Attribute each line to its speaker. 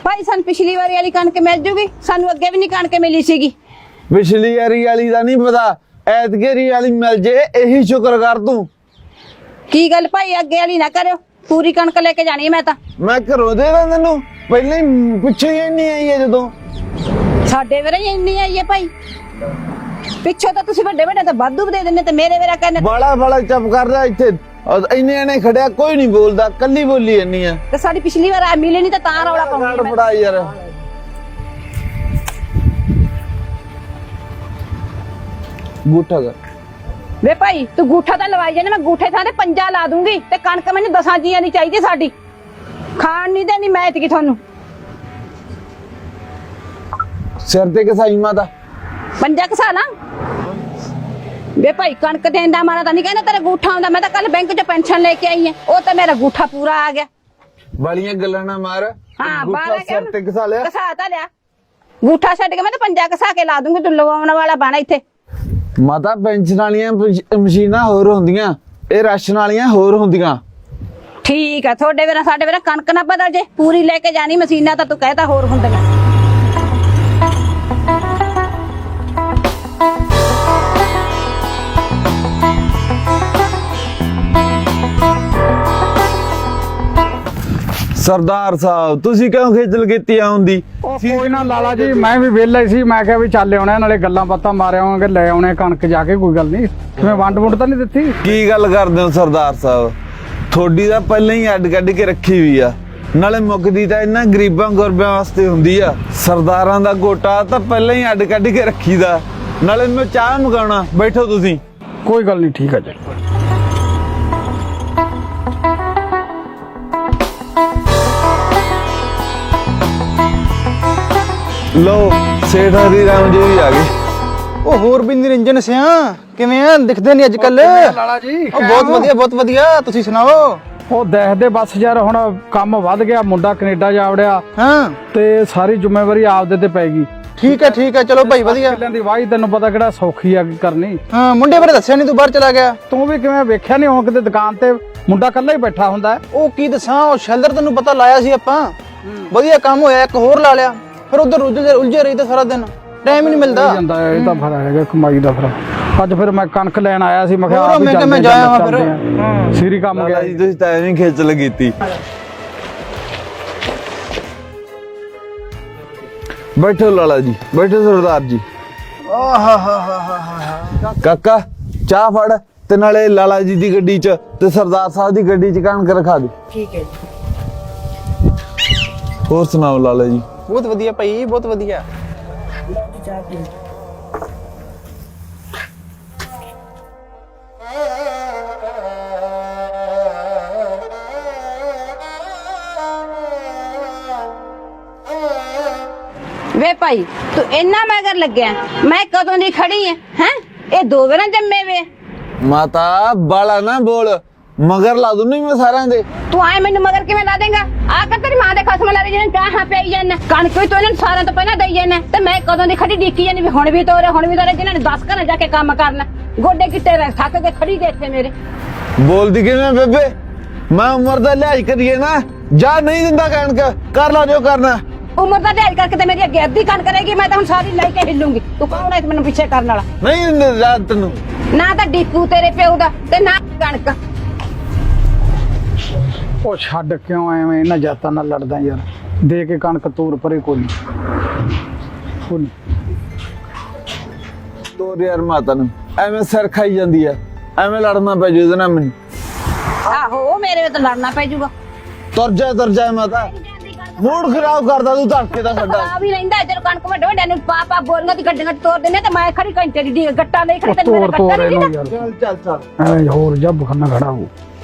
Speaker 1: भाई सन पिछली बारी वाली कणक मिल जूगी, सानू अगे भी नहीं कणक मिली सीगी।
Speaker 2: पिछली वाली दा नहीं पता, ऐतकी वाली मिल जे यही शुक्र कर तू।
Speaker 1: की गल भाई अगे वाली ना करो, पूरी कणक लेके जानी है मैं तां।
Speaker 2: मैं घरों दे दा तैनू, पहले ही पिछे ही नहीं आई है जदों।
Speaker 1: साडे वेरे ही इंनी आई है भाई, पिछो तो तुसी बड़े बड़े तो वाधू दे देने ते मेरे वेरा कहने
Speaker 2: बड़ा बड़ा चुप कर रहा इत्थे, इन्ने ने खड़िया कोई नहीं बोलदा, कल्ली बोली इन्नी है।
Speaker 1: ते साडी पिछली बार मिले नहीं ते तां रौला पाउंदी
Speaker 2: बड़ा यार गूठा कर
Speaker 1: वे भाई तू गूठा तो लवाई जाने, मैं गूठे थां ते पंजा ला दूंगी ते कणक मैनूं 10 जीआं दी चाहिदी साडी, खाण नहीं देनी मैं इतकी थानू।
Speaker 2: सिर ते कसाई माता
Speaker 1: पंजा कसा ला वे भाई, कणक देन दा मारा तां नहीं कहना तेरा गूठा आंदा। मैं तां कल बैंक च पेंशन लेके आई है, ओ तां मेरा गूठा पूरा आ गया।
Speaker 2: वालियां गल्लां ना मार।
Speaker 1: हाँ
Speaker 2: गूठा
Speaker 1: बारह
Speaker 2: सिर ते कसा लिया,
Speaker 1: कसा ता लिया गूठा छड्ड के मैं तां पंजा कसा के ला दूंगी, तू लवाउण वाला बना इत्थे।
Speaker 2: माता पेंशन वालियां मशीनां होर हुंदियां, ए राशन वालियां होर हुंदियां।
Speaker 1: ठीक है, थोड़े वेरा साडे वेरा कणक ना बदल जे, पूरी लेके जानी मशीना तां तू कहता होर हुंदियां।
Speaker 2: सरदार साहब तुसी क्यों खिचल कीती आउंदी?
Speaker 3: कोई ना लाला जी, मैं भी वेला ही सी, मैं क्या भी चल आने नाले गल्लां बातां मारे आवांगे, ले आने कणक जाके, कोई गल नहीं। तुम्हें वंड वुंड तां नहीं दित्ती?
Speaker 2: की गल करदे हो सरदार साहब, थोड़ी दा पहले ही अड्ड कड्ड के रखी हुई आ, नाले मुकदी तां इन्हां गरीबां गुरबियां वास्ते हुंदी आ। सरदारां दा गोटा तां पहले ही अड्ड कड्ड के रखीदा, नाले मैं चाह मंगाउणा, बैठो तुसी।
Speaker 3: कोई गल नहीं, ठीक है जी।
Speaker 2: लो सेठ हरी राम जी भी आ गए।
Speaker 4: ਉਹ ਹੋਰ ਵੀ ਨਿਰੰਜਨ ਸਿਆ ਕਿਵੇਂ ਆ, ਦਿਖਦੇ ਨਹੀਂ ਅੱਜ ਕੱਲ।
Speaker 3: ਲਾਲਾ ਜੀ
Speaker 4: ਬਹੁਤ ਵਧੀਆ ਬਹੁਤ ਵਧੀਆ, ਤੁਸੀਂ ਸੁਣਾਓ।
Speaker 3: ਉਹ ਦੇਖਦੇ ਬਸ ਯਾਰ, ਹੁਣ ਕੰਮ ਵੱਧ ਗਿਆ, ਮੁੰਡਾ ਕੈਨੇਡਾ ਜਾ ਵੜਿਆ
Speaker 4: ਹਾਂ
Speaker 3: ਤੇ ਸਾਰੀ ਜ਼ਿੰਮੇਵਾਰੀ ਆਪਦੇ ਤੇ ਪੈ ਗਈ।
Speaker 4: ਠੀਕ ਹੈ ਚਲੋ ਭਾਈ ਵਧੀਆ।
Speaker 3: ਕਿੱਲਿਆਂ ਦੀ ਵਾਹੀ ਤੈਨੂੰ ਪਤਾ ਕਿਹੜਾ ਸੌਖੀ ਆ ਕਰਨੀ।
Speaker 4: ਹਾਂ ਮੁੰਡੇ ਬਾਰੇ ਦੱਸਿਆ ਨਹੀਂ, ਤੂੰ ਬਾਹਰ ਚਲਾ ਗਿਆ।
Speaker 3: ਤੂੰ ਵੀ ਕਿਵੇਂ ਵੇਖਿਆ ਨਹੀਂ, ਹੁਣ ਕਿਤੇ ਦੁਕਾਨ ਤੇ ਮੁੰਡਾ ਇਕੱਲਾ ਹੀ ਬੈਠਾ ਹੁੰਦਾ ਹੈ।
Speaker 4: ਉਹ ਕੀ ਦੱਸਾਂ, ਉਹ ਸ਼ੈਲਰ ਤੈਨੂੰ ਪਤਾ ਲਾਇਆ ਸੀ ਆਪਾਂ, ਵਧੀਆ ਕੰਮ ਹੋਇਆ, ਇੱਕ ਹੋਰ ਲਾ ਲਿਆ, ਫਿਰ ਉਧਰ ਉਲਝੇ ਰਹੀ ਤਾਂ ਸਾਰਾ ਦਿਨ, ਟਾਈਮ ਹੀ ਨਹੀਂ ਮਿਲਦਾ।
Speaker 3: ਜਾਂਦਾ ਇਹ ਤਾਂ ਫਿਰ ਹੈਗਾ ਕਮਾਈ ਦਾ। ਫਿਰ ਅੱਜ ਫਿਰ ਮੈਂ ਕਣਕ ਲੈਣ ਆਇਆ ਸੀ, ਮੈਂ ਕਿਹਾ
Speaker 4: ਹੋਰ ਮੈਂ ਕਿਹਾ ਮੈਂ ਜਾਇਆ ਵਾਂ ਫਿਰ।
Speaker 3: ਸੀਰੀ ਕੰਮ ਗਿਆ
Speaker 2: ਜੀ ਤੁਸੀਂ ਤਾਂ ਐਵੇਂ ਖੇਚਲ ਕੀਤੀ। बैठो लाला जी, बैठो सरदार जी। काका चाह फड़ ते नाले लाला जी दी गड्डी च ते सरदार साहब दी गड्डी च कणक रखा दे।
Speaker 1: ठीक है जी।
Speaker 2: और सुनाओ लाला जी?
Speaker 4: ਬਹੁਤ ਵਧੀਆ ਭਾਈ, ਬਹੁਤ ਵਧੀਆ।
Speaker 1: वे भाई तू इन्ना मगर लग गया, मैं कदों दी खड़ी है ये दो बार जम्मे वे।
Speaker 2: माता बाला ना बोल, मगर ला दूं नहीं मैं सारा दे।
Speaker 1: तू आए मैनू मगर किवें ला देगा? आकर तेरी मां दे खसम ला रही कहां पे आई जाना, कणक भी तो इन्हां सारा तो पहला दई जाना, ते मैं कदों दी खड़ी डिक्की जानी भी हुण भी तोरे जिन्हां ने 10 घर जाके काम करना, गोडे गिट्टे थक के खड़ी दे इत्थे मेरे।
Speaker 2: बोलदी किवें बेबे, मैं उम्र दा लिहाज करिए ना, जा नहीं दिंदा कणक, कर ला जो करना।
Speaker 1: उम्र का लिहाज करके मेरी अगे अद्धी कणक करेगी, मैं तो सारी लेके हिलूंगी। तू कौन है मैनू पीछे करने वाला?
Speaker 2: नहीं दिंदे रात तेनू
Speaker 1: ना तो डिपू तेरे प्यो दा ते ना कणक।
Speaker 3: ਉਹ ਛੱਡ ਕਿਉਂ ਐਵੇਂ ਇਹਨਾਂ ਜਾਤਾਂ ਨਾਲ ਲੜਦਾ ਯਾਰ, ਦੇ ਕੇ ਕਣਕ ਤੋਰ ਪਰੇ ਕੋਈ ਨਹੀਂ।
Speaker 2: ਤੋਰ ਯਾਰ ਮਾਤਾ ਨੂੰ, ਐਵੇਂ ਸਿਰ ਖਾਈ ਜਾਂਦੀ ਆ, ਐਵੇਂ ਲੜਨਾ ਪੈ ਜੂ ਇਹਦੇ ਨਾਲ ਮੈਨੂੰ।
Speaker 1: आहो मेरे में तो लड़ना पै जूगा।
Speaker 2: ਤੁਰ ਜਾ ਮਾਤਾ, मूड खराब करदा तू धक्के दा छड्डा।
Speaker 1: आ भी रहिंदा इधर कणक में ढोंडे नु पापा बोलना दी गड्डियां तोड़ देने ते मैं खड़ी घंटे दी गट्टा नहीं खड़ी ते मेरा गट्टा नहीं।
Speaker 3: चल एं होर जब खन्ना खड़ा हो।